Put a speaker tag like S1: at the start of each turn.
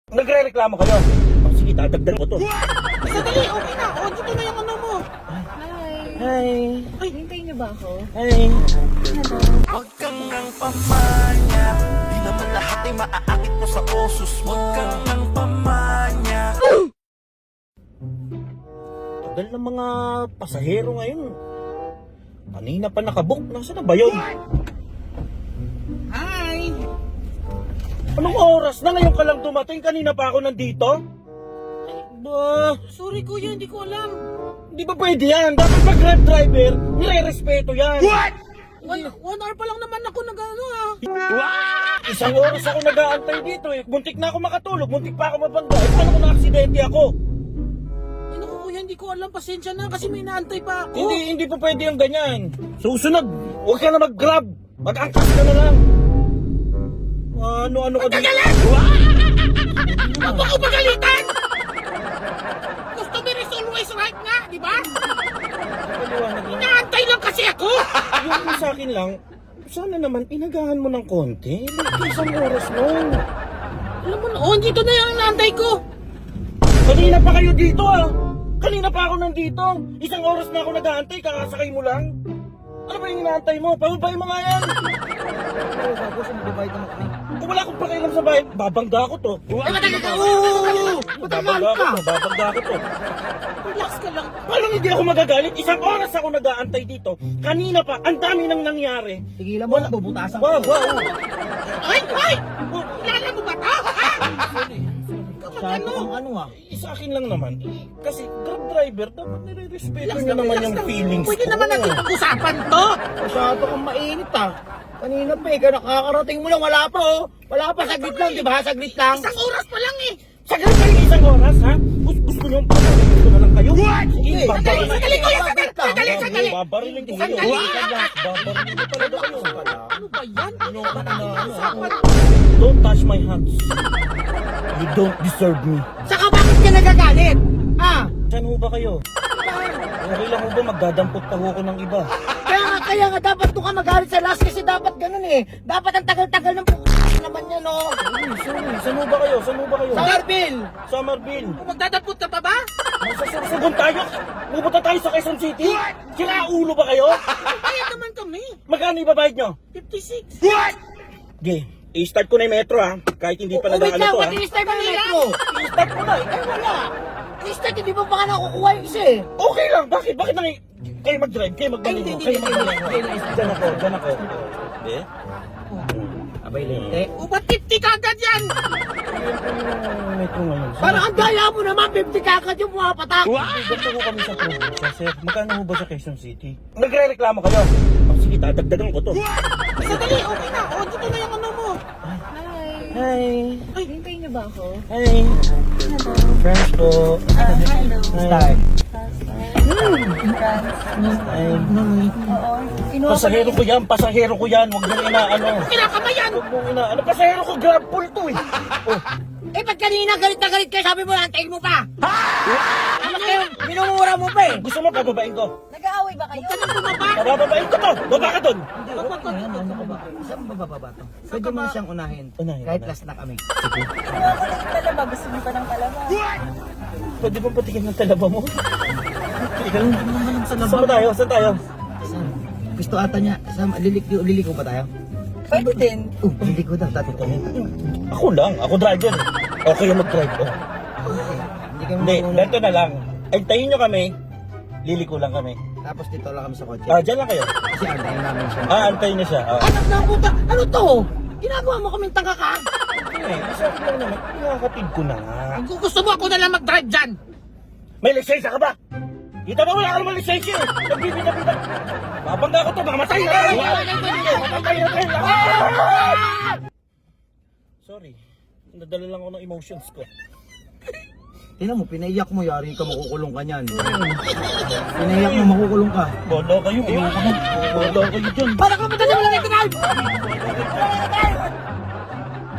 S1: Nagre-reklamo kayo. Oh, sige, dadagdag ko to.
S2: Sandali, okay na. O, dito na yung ano mo.
S1: Hi.
S3: Ay, hintayin niyo ba ako?
S1: Hi.
S4: Huwag kang nang pamanya, di naman lahat ay maaakit mo sa osos. Huwag kang nang pamanya.
S1: Tagal ng mga pasahero ngayon. Kanina pa nakabook. Nasaan na ba yun?
S2: Hi!
S1: Anong oras na ngayon ka lang dumating? Kanina pa ako nandito? Ba,
S2: Sorry kuya, hindi ko alam.
S1: di ba pwede yan? Dapat pag grab driver, nire-respeto yan. What?
S2: One hour pa lang naman ako nag-ano ha.
S1: Isang oras ako nag-aantay dito eh. Muntik na ako makatulog, muntik pa ako mabangga. Eh, paano kung na-aksidente ako?
S2: Ay naku kuya, hindi ko alam. Pasensya na kasi may naantay pa ako.
S1: Hindi po pwede yung ganyan. Susunod, huwag ka na mag-grab. Mag-angkas ka na lang. Ano ka dito?
S2: Huwag mo ko pagalitan! Customer is always right nga, di ba?
S1: Paliwanag lang.
S2: Inaantay lang kasi ako!
S1: Yung sa akin lang, sana naman inagahan mo ng konti. Isang oras nun.
S2: Alam mo na, oh, dito na yung inaantay ko.
S1: Kanina pa kayo dito ah. Kanina pa ako nandito. Isang oras na ako nag-aantay, kakasakay mo lang. Ano ba yung inaantay mo? Pababay mo nga yan.
S2: Oo, bago siya magbabayad naman kami.
S1: Kung wala akong pakialam sa bahay, babangga ako to.
S2: Ay, matagal ka! Oo!
S1: Babangga ako to, babangga ako to.
S2: Relax ka lang.
S1: Paano hindi ako magagalit? Isang oras ako nag-aantay dito. Kanina pa, ang dami nang nangyari.
S2: Tigilan mo na, bubutasan
S1: Wow, wow.
S2: Ay! Ay! Kilala mo ba ito? Ha?
S3: Sabi ko ano ah.
S1: Sa akin lang naman, kasi grab driver, dapat nire-respeto niya naman yung feelings
S2: Pwede
S1: ko.
S2: naman natin pag-usapan to.
S3: Masyado kang mainit ah. Kanina pa eh, nakakarating mo lang, wala pa oh. Wala pa, saglit lang, di ba? Saglit lang.
S2: Isang oras pa lang eh.
S1: Saglit kayo isang oras, ha? Gusto niyo yung pabarilin ko na lang kayo? Sige, babarilin
S2: Sandali kuya, sandali.
S1: Babarilin ko kayo. Babarilin ko talaga kayo.
S2: Ano ba yan? Ano ba
S1: Ano? Don't touch my hands. You don't deserve me.
S3: Saka bakit ka nagagalit? Ah,
S1: Saan ho ba kayo? Okay lang ho ba magdadampot pa ho ako ng iba?
S3: kaya nga dapat doon ka magalit sa last kasi dapat ganun eh. Dapat ang tagal-tagal ng naman yan oh.
S1: Sorry. Saan ho ba kayo? Saan ho ba kayo?
S3: Sa Marvin!
S1: Summerville.
S2: Magdadapot ka pa ba?
S1: Magsasursugon tayo. Pupunta tayo sa Quezon City. Sira ulo ba kayo?
S2: Bayad naman kami.
S1: Magkano ibabayad nyo?
S2: 56.
S1: Okay. I-start ko na yung metro ha. Kahit hindi pa
S3: Wait
S1: nag-ano
S3: lang,
S1: to ha.
S3: pati i-start mo na metro.
S1: I-start ko na.
S3: Ay wala. I-start, hindi mo pa ka nakukuha yung isa eh.
S1: Okay lang. Bakit? Bakit nang kayo mag-drive? Kayo magbaligo?
S3: Hindi,
S1: Kayo
S3: hindi,
S1: magbaligo?
S3: hindi.
S1: Diyan ako. Diyan ako. Hindi?
S3: Abay lente.
S2: O ba't 50 ka agad yan?
S1: Yung metro ngayon.
S3: Parang ang daya mo naman, 50 kakad yung pumapatak.
S1: Ganito ko kami sa probinsya, sir. Magkano ho ba sa Quezon City? Nagre-reklamo kayo. Oh, sige, dadagdagan ko to.
S2: Sandali, okay na. O, dito na yung ano mo.
S1: Hi.
S3: Ay, hintayin niyo ba ako?
S1: Hi. Friends po.
S3: Hello.
S1: Start.
S3: Oo.
S1: Pasahero ko yan, pasahero ko yan. Huwag nang inaano.
S2: Kinakamayan.
S1: Huwag mong inaano. Pasahero ko, grab pull to eh. Oh,
S3: Eh, ba't kanina galit na galit kayo? Sabi mo, antayin mo pa. Ano kayo? Minumura mo pa eh.
S1: gusto mo pababain ko?
S3: Nag-aaway ba kayo?
S2: Huwag ka nang bumaba.
S1: Pababain ko to. Baba ka dun.
S3: Ano ka ba? Saan mo bababa to? Pwede mo siyang unahin.
S1: Unahin,
S3: Kahit
S1: unahin.
S3: last na kami.
S5: Talaba, gusto mo pa ng talaba?
S1: Pwede ba patikin ng talaba mo? Ikaw lang.
S3: Sa
S1: Saan ba tayo? Saan tayo?
S3: Saan? Gusto ata niya. Liliko ba tayo?
S5: Pwede din.
S3: Liliko daw. Dati to.
S1: Ako lang. Ako driver. Okay yung mag-drive. Oh.
S3: Hindi kami
S1: Hindi,
S3: mauna.
S1: ganito na lang. Antayin nyo kami. Liliko lang kami.
S3: Tapos dito lang kami sa kotse.
S1: Dyan lang kayo.
S3: Kasi antayin namin siya.
S1: Antayin niya siya.
S3: Anak na puta! Ano to? Ginagawa mo kaming tanga ka?
S1: Isa ko lang naman. Nakakatid ko na nga.
S2: Kung gusto mo ako na lang mag-drive dyan.
S1: May lisensya ka ba? Kita ba wala ka naman lisensya eh? Nagbibita-bita. Babangga ko to. Mamatay na tayo. Mamatay na tayo. Sorry. Nadala lang ako ng emotions ko.
S3: Tingnan mo, pinaiyak mo, yari ka, makukulong ka niyan. Pinaiyak mo, makukulong ka.
S1: Bola kayo. Ayoko na. Bola kayo dyan.
S3: Para ka madali mo lang i-drive!